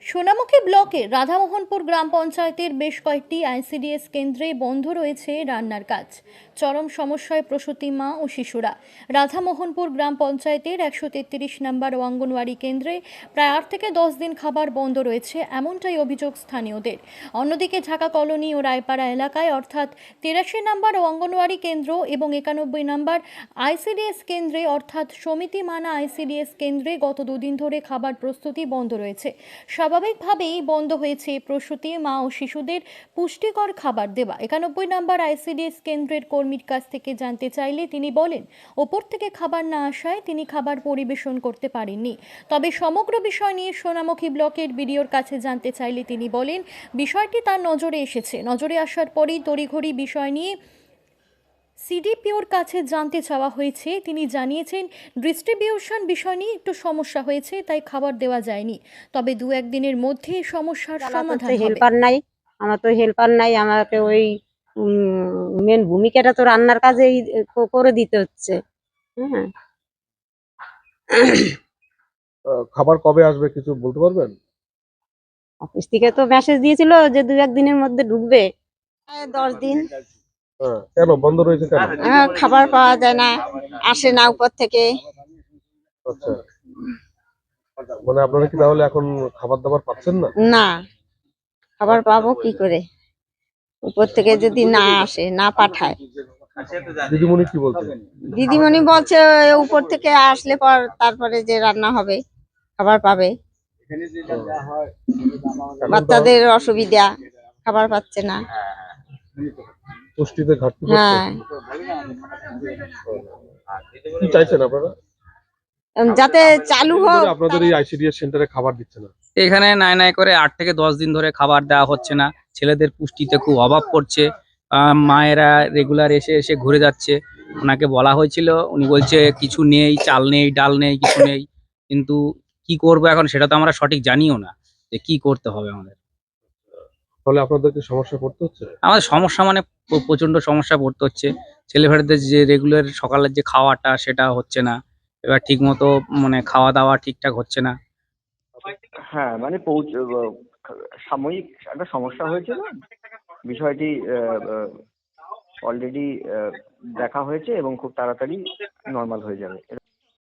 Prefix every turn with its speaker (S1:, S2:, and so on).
S1: সোনামুখী ব্লকের রাধামোহনপুর গ্রাম পঞ্চায়েতের বেশ কয়েকটি আইসিডিএস কেন্দ্রে বন্ধ রয়েছে রান্নার কাজ। চরম সমস্যায় প্রসূতি মা ও শিশুরা। রাধামোহনপুর গ্রাম পঞ্চায়েতের 133 নম্বর অঙ্গনওয়াড়ি কেন্দ্রে প্রায় 8 থেকে 10 দিন খাবার বন্ধ রয়েছে, এমনটাই অভিযোগ স্থানীয়দের। অন্যদিকে ঢাকা কলোনি ও রায়পাড়া এলাকায় অর্থাৎ 83 নম্বর অঙ্গনওয়াড়ি কেন্দ্র এবং 91 নম্বর আইসিডিএস কেন্দ্রে অর্থাৎ সমিতি মানা আইসিডিএস কেন্দ্রে গত দুদিন ধরে খাবার প্রস্তুতি বন্ধ রয়েছে। স্বাভাবিকভাবেই বন্ধ হয়েছে প্রসূতি মা ও শিশুদের পুষ্টিকর খাবার দেওয়া। 91 নম্বর আইসিডিএস কেন্দ্রের কর্মীর কাছ থেকে জানতে চাইলে তিনি বলেন, ওপর থেকে খাবার না আসায় তিনি খাবার পরিবেশন করতে পারেননি। তবে সমগ্র বিষয় নিয়ে সোনামুখী ব্লকের বিডিওর কাছে জানতে চাইলে তিনি বলেন, বিষয়টি তার নজরে এসেছে। নজরে আসার পরেই তড়িঘড়ি বিষয় নিয়ে সিডিপিওর কাছে জানতে চাওয়া হয়েছে। তিনি জানিয়েছেন, ডিস্ট্রিবিউশন বিষয় নিয়ে একটু সমস্যা হয়েছে, তাই খাবার দেওয়া যায়নি। তবে 2-1 দিনের মধ্যে সমস্যার সমাধান হবে।
S2: হেল্পার নাই, আমার তো হেল্পার নাই। আমাকে ওই মেন ভূমিকাটা তো রান্নার কাজেই করে দিতে হচ্ছে। হ্যাঁ,
S3: খাবার কবে আসবে কিছু বলতে পারবেন?
S2: অফিস থেকে তো মেসেজ দিয়েছিল যে 2-1 দিনের মধ্যে ঢুকবে। 10 দিন
S3: কেন বন্ধ রয়েছে কেন?
S2: খাবার পাওয়া যায় না, আসে না উপর থেকে।
S3: আচ্ছা, মানে আপনারা কি তাহলে এখন খাবার দাবার পাচ্ছেন না?
S2: না, খাবার পাবো কি করে? উপর থেকে যদি না আসে, না পাঠায়।
S3: দিদিমণি কি বলছে?
S2: দিদিমণি বলছে উপর থেকে আসলে পর তারপরে যে রান্না হবে, খাবার পাবে। বাচ্চাদের অসুবিধা, খাবার পাচ্ছে না।
S3: পুষ্টিতে ঘাটতি পড়ছে।
S2: হ্যাঁ,
S3: কি চাইছেন আপনারা?
S2: যাতে চালু হোক।
S3: আপনাদের এই আইসিডিএস সেন্টারে খাবার দিচ্ছে না?
S4: এখানে নাই নাই করে 8 থেকে 10 দিন ধরে খাবার দেওয়া হচ্ছে না। ছেলেদের পুষ্টিতে খুব অভাব পড়ছে। মায়েরা রেগুলার এসে এসে ঘুরে যাচ্ছে। ওনাকে বলা হয়েছিল, উনি বলছে কিছু নেই, চাল নেই, ডাল নেই, কিছু নেই। কিন্তু কি করবো এখন সেটা তো আমরা সঠিক জানিও না যে কি করতে হবে আমাদের।
S3: তাহলে আপনাদেরকে সমস্যা পড়তে হচ্ছে?
S4: আমাদের সমস্যা মানে প্রচন্ড সমস্যা পড়তে হচ্ছে। ছেলেমেয়েদের যে রেগুলার সকালের যে খাওয়াটা সেটা হচ্ছে না। এবার ঠিক মতো মানে খাওয়া দাওয়া ঠিকঠাক হচ্ছে না।
S5: হ্যাঁ, মানে সাময়িক একটা সমস্যা হয়েছিল। বিষয়টি অলরেডি দেখা হয়েছে এবং খুব তাড়াতাড়ি নর্মাল হয়ে যাবে।